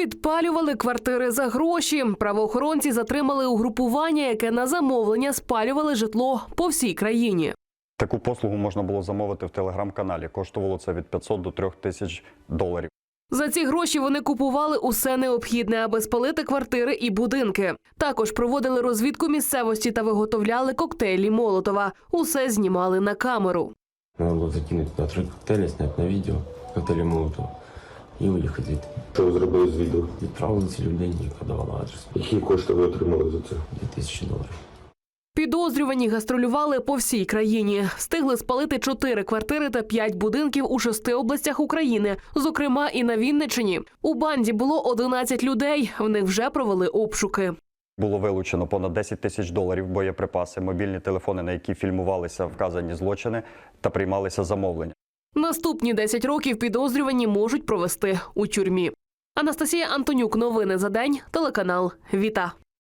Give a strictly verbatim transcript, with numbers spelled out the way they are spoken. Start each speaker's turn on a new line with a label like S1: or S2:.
S1: Підпалювали квартири за гроші. Правоохоронці затримали угрупування, яке на замовлення спалювали житло по всій країні.
S2: Таку послугу можна було замовити в телеграм-каналі. Коштувало це від п'ятсот до трьох тисяч доларів.
S1: За ці гроші вони купували усе необхідне, аби спалити квартири і будинки. Також проводили розвідку місцевості та виготовляли коктейлі Молотова. Усе знімали на камеру.
S3: Надо було закинути на три коктейлі, зняти на відео коктейлі Молотова і уїхати звідти.
S4: Що ви зробили з відео?
S3: Відправили ці людей і подавали адрес.
S4: Які кошти ви отримали за це?
S3: Дві тисячі доларів.
S1: Підозрювані гастролювали по всій країні. Встигли спалити чотири квартири та п'ять будинків у шести областях України, зокрема і на Вінниччині. У банді було одинадцять людей, в них вже провели обшуки.
S2: Було вилучено понад десять тисяч доларів, боєприпаси, мобільні телефони, на які фільмувалися вказані злочини та приймалися замовлення.
S1: Наступні десять років підозрювані можуть провести у тюрмі. Анастасія Антонюк. Новини за день. Телеканал Віта.